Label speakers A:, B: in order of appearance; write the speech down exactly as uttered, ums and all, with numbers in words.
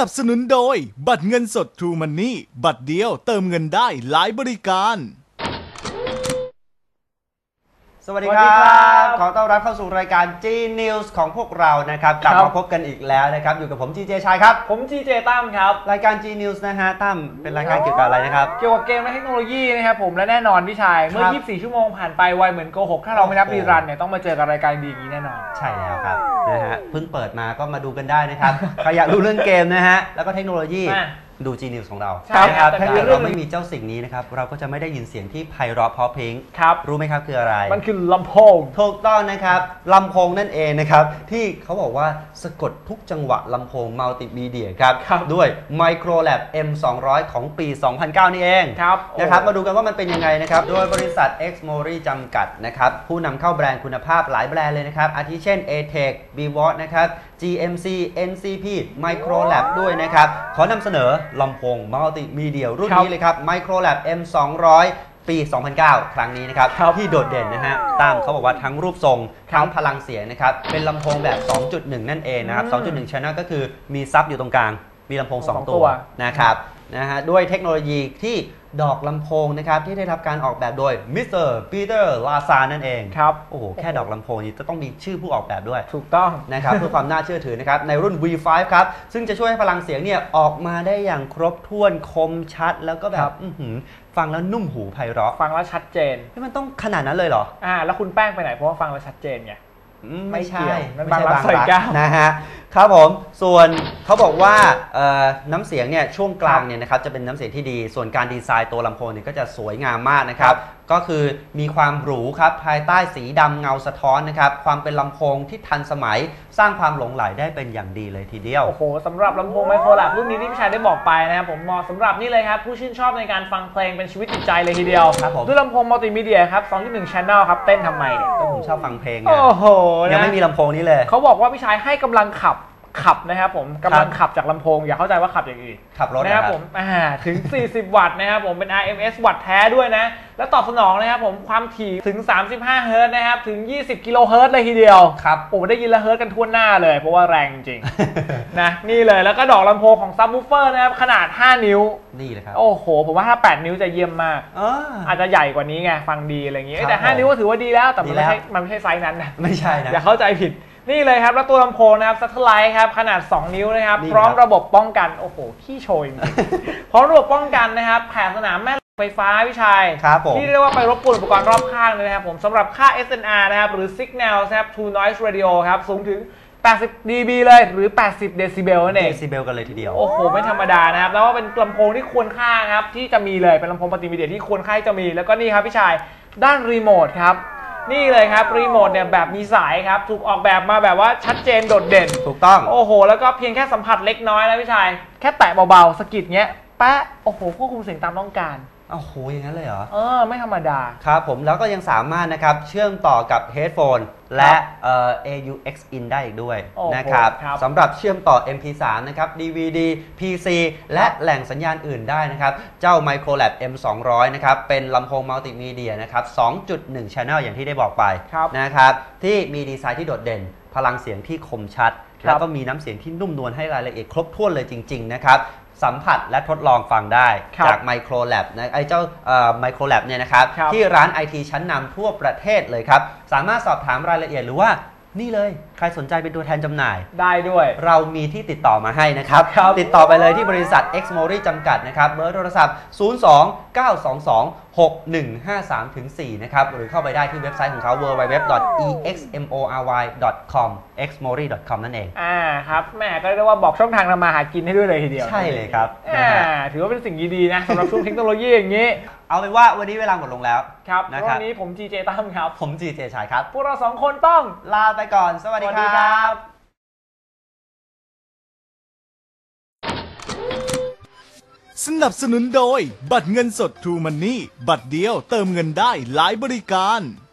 A: นับสนุนโดยบัตรเงินสด True Money บัตรเดียวเติมเงินได้หลายบริการ
B: สวัสดีครับขอต้อนรับเข้าสู่รายการ G News ของพวกเรานะครับกลับมาพบกันอีกแล้วนะครับอยู่กับผม จี เจ ชัยครับ
C: ผม จี เจ ตั้มครับ
B: รายการ G News นะฮะตั้มเป็นรายการเกี่ยวกับอะไรนะครับ
C: เกี่ยวกับเกมและเทคโนโลยีนะครับผมและแน่นอนพี่ชายเมื่อยี่สิบสี่ชั่วโมงผ่านไปไวเหมือนโกหกถ้าเราไม่นับรีรันเนี่ยต้องมาเจอกับรายการดีอย่างนี้แน่นอน
B: ใช่แล้วครับนะฮะเพิ่งเปิดมาก็มาดูกันได้นะครับใครอยากรู้เรื่องเกมนะฮะแล้วก็เทคโนโลยีดู G News ของเรา
C: ครับ
B: ถ้าเกิดเราไม่มีเจ้าสิ่งนี้นะครับเราก็จะไม่ได้ยินเสียงที่ไพเราะเพราะเพลง
C: ครับ
B: รู้ไหมครับคืออะไร
C: มันคือลำโพง
B: ถูกต้องนะครับลำโพงนั่นเองนะครับที่เขาบอกว่าสะกดทุกจังหวะลำโพงมัลติมีเดียครับด้วย Microlab เอ็ม สองร้อย ของปี สองพันเก้า นี่เองนะครับมาดูกันว่ามันเป็นยังไงนะครับโดยบริษัท Xmori จำกัดนะครับผู้นำเข้าแบรนด์คุณภาพหลายแบรนด์เลยนะครับอาทิเช่น เอ เทค บี วอ ที นะครับ จี เอ็ม ซี เอ็น ซี พี Microlab ด้วยนะครับขอนำเสนอลำโพงมัลติมีเดียรุ่นนี้เลยครับ Microlab เอ็ม สองร้อย ปี สองพันเก้า ครั้งนี้นะครับที่โดดเด่นนะฮะตามเขาบอกว่าทั้งรูปทรงทั้งพลังเสียงนะครับเป็นลำโพงแบบ สองจุดหนึ่ง นั่นเองนะครับ สองจุดหนึ่ง Channel ก็คือมีซับอยู่ตรงกลางมีลำโพงสองตัวนะครับนะฮะด้วยเทคโนโลยีที่ดอกลำโพงนะครับที่ได้รับการออกแบบโดยมิสเตอร์ปีเตอร์ลาซานั่นเอง
C: ครับ
B: โอ้โหแค่ดอกลำโพงนี้จะต้องมีชื่อผู้ออกแบบด้วย
C: ถูกต้อง
B: นะครับเพื่อความน่าเชื่อถือนะครับในรุ่น วี ไฟว์ ครับซึ่งจะช่วยให้พลังเสียงเนี่ยออกมาได้อย่างครบถ้วนคมชัดแล้วก็แบบฟังแล้วนุ่มหูไพเราะ
C: ฟังแล้วชัดเจน
B: มันต้องขนาดนั้นเลยเหรอ
C: อ่าแล้วคุณแป้งไปไหนเพราะว่าฟังแล้วชัดเจนไง
B: ไม่ใช่
C: ไม่ใช่บางรัก
B: นะฮะครับผมส่วนเขาบอกว่าน้ำเสียงเนี่ยช่วงกลางเนี่ยนะครับจะเป็นน้ำเสียงที่ดีส่วนการดีไซน์ตัวลำโพงเนี่ยก็จะสวยงามมากนะครับก็คือมีความหรูครับภายใต้สีดำเงาสะท้อนนะครับความเป็นลำโพงที่ทันสมัยสร้างความหลงไหลได้เป็นอย่างดีเลยทีเดียว
C: โอ้โหสำหรับลำโพงไมโครแลบรุ่นนี้ที่พี่ชายได้บอกไปนะครับผมเหมาะสำหรับนี่เลยครับผู้ชื่นชอบในการฟังเพลงเป็นชีวิตจิตใจเลยทีเดียว
B: ครับผม
C: ด้วยลำโพงมัลติมีเดียครับ สองจุดหนึ่ง Channel ครับเต้นทำไมเนี่ย
B: ก็ผมชอบฟังเพลงไง
C: โอ้โห
B: ยังไม่มีลำโพงนี้เลย
C: เขาบอกว่าพี่ชายให้กำลังขับขับนะครับผมกำลังขับจากลำโพงอย่าเข้าใจว่าขับอย่างอื่น
B: ขับรถ
C: นะครับผมถึงสี่สิบวัตต์นะครับผมเป็น อาร์ เอ็ม เอส วัตต์แท้ด้วยนะแล้วตอบสนองนะครับผมความถี่ถึงสามสิบห้าเฮิร์ตซ์นะครับถึงยี่สิบกิโลเฮิร์ตซ์เลยทีเดียว
B: ครับ
C: โอ้ได้ยินละเฮิร์ตซ์กันทั่วหน้าเลยเพราะว่าแรงจริงนะนี่เลยแล้วก็ดอกลำโพงของซับวูฟเฟอร์นะครับขนาดห้านิ้ว
B: นี่เลยครับ
C: โอ้โหผมว่าถ้าแปดนิ้วจะเยี่ยมมากอาจจะใหญ่กว่านี้ไงฟังดีอะไรอย่างงี้แต่ห้านิ้วก็ถือว่าดีแล้วแต่มันไม่ใช่มันไม่ใช่ไซส์นั้นนะ
B: ไม่ใช่นะ
C: อย่าเข้าใจผิดนี่เลยครับแล้วตัวลำโพงนะครับซัตเทอร์ไลท์ครับขนาดสองนิ้วนะครับพร้อมระบบป้องกันโอ้โหขี้โชยจริงพร้อมระบบป้องกันนะครับแผ่สนามแม่ไฟฟ้าพี่ชายที่เรียกว่าไปรบกวนอุปกรณ์รอบข้างเลยนะครับผมสำหรับค่า เอส เอ็น อาร์ นะครับหรือ Signal นะครับ To Noise Radio ครับสูงถึงแปดสิบ ดี บี เลยหรือแปดสิบเดซิเบลนั่นเอง
B: เดซิเบลกันเลยทีเดียว
C: โอ้โหไม่ธรรมดานะครับแล้วว่าเป็นลำโพงที่ควรค่าครับที่จะมีเลยเป็นลำโพงมัลติมีเดียที่ควรค่าจะมีแล้วก็นี่ครับพี่ชายด้านรีโมทครับนี่เลยครับรีโมทเนี่ยแบบมีสายครับถูกออกแบบมาแบบว่าชัดเจนโดดเด่น
B: ถูกต้อง
C: โอ้โหแล้วก็เพียงแค่สัมผัสเล็กน้อยนะพี่ชายแค่แตะเบาๆสะกิดเงี้ยแป๊ะโอ้โหควบคุมเสียงตามต้องการ
B: โอ้โหอย่างนั้นเลยเหรอ
C: เออไม่ธรรมดา
B: ครับผมแล้วก็ยังสามารถนะครับเชื่อมต่อกับเฮดโฟนและ เอ่อ เอ ยู เอ็กซ์ อิน ได้อีกด้วยนะครับสำหรับเชื่อมต่อ เอ็ม พี ทรี นะครับ ดี วี ดี พี ซี และแหล่งสัญญาณอื่นได้นะครับเจ้า Microlab เอ็ม สองร้อย นะครับเป็นลำโพงมัลติมีเดียนะครับ สองจุดหนึ่ง Channel อย่างที่ได้บอกไปนะครับที่มีดีไซน์ที่โดดเด่นพลังเสียงที่คมชัดแล้วก็มีน้ำเสียงที่นุ่มนวลให้รายละเอียดครบถ้วนเลยจริงๆนะครับสัมผัสและทดลองฟังได้จาก Microlab นะไอ้เจ้า Microlab เนี่ยนะครับที่ร้าน ไอ ที ชั้นนำทั่วประเทศเลยครับสามารถสอบถามรายละเอียดหรือว่านี่เลยใครสนใจเป็นตัวแทนจำหน่าย
C: ได้ด้วย
B: เรามีที่ติดต่อมาให้นะครับติดต่อไปเลยที่บริษัท Xmori จำกัดนะครับเบอร์โทรศัพท์ ศูนย์ สอง เก้า สอง สอง หก หนึ่ง ห้า สาม สี่ นะครับหรือเข้าไปได้ที่เว็บไซต์ของเขา ดับเบิลยู ดับเบิลยู ดับเบิลยู ดอท อี เอ็กซ์ เอ็ม โอ อาร์ วาย ดอท คอม เอ็กซ์ โมรี ดอท คอม นั่นเอง
C: อ่าครับแม่ก็เรียกว่าบอกช่องทางทำมาหากินให้ด้วยเลยทีเดียว
B: ใช่เลยครับ
C: อ่าถือว่าเป็นสิ่งดีๆนะสำหรับช่วงเทคโนโลยีอย่างนี้
B: เอาเป็นว่าวันนี้เวลาหมดลงแล้ว
C: ครับวันนี้ผม จี เจ ตั้มครับ
B: ผม จี เจ ชัยครับ
C: พวกเราสองคนต้อง
B: ลาไปก่อนสวัสดีครับ
A: สนับสนุนโดยบัตรเงินสด True Money บัตรเดียวเติมเงินได้หลายบริการ